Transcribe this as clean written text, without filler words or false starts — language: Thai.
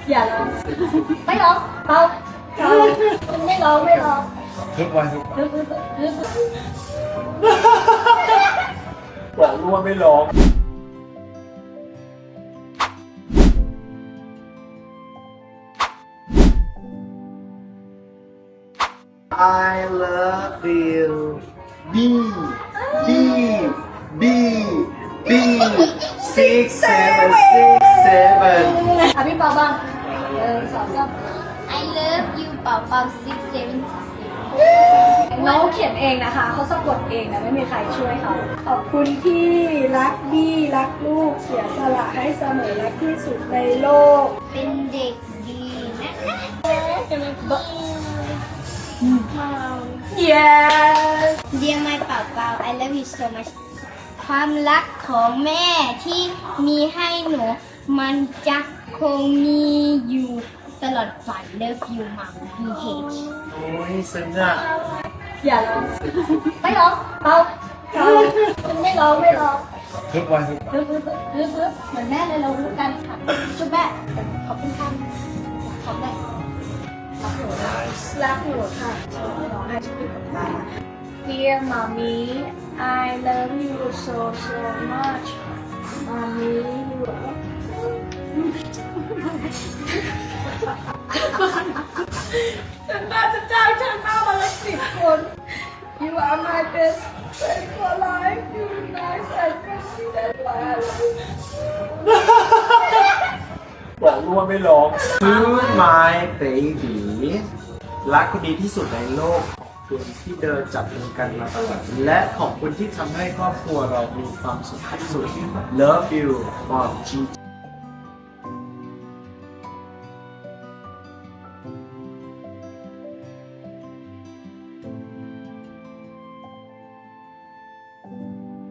อย่าร้องไม่ร้องเบาไม่ร้องทุกวันทุกวันฮึบบอกรู้ว่าไม่ร้อง I love you B B B B 6 7 6 7 อ่ะพี่เปาบ้างสองก็ I love you เป่าเป่า6 7 น้องเขียนเองนะคะเขาสะกดเองนะไม่มีใครช่วยเขาขอบคุณที่รักบี้รักลูกเสียสละให้เสมอรักที่สุดในโลกเป็นเด็กดีนะ yes Dear my เป่าเป่า I love you so much ความรักของแม่ที่มีให้หนูมันจะคงมีอยู่ตลอดฝัน Love you mom BH โอ้ยซึ้งอ่ะอย่าร้องไม่ร้องเบาไม่ร้องทุกวันทุกวันฮึบเหมือนแม่เลยเรารู้กันค่ะชุบแม่ขอบคุณค่ะขอบแม่รักหนูค่ะร้องให้ชุบกับตา Dear mommy I love you so much mommy you are ฉันน่าจะจ้างช่างหน้ามาละ10 คน You are my best friend for life You nice and friendly that's why I love you บอกรู้ว่าไม่ร้อง To my baby รักคนดีที่สุดในโลกขอบคุณที่เดินจับมือกันมาตลอดและขอบคุณที่ทำให้ครอบครัวเรามีความสุขที่สุด Love you Mom G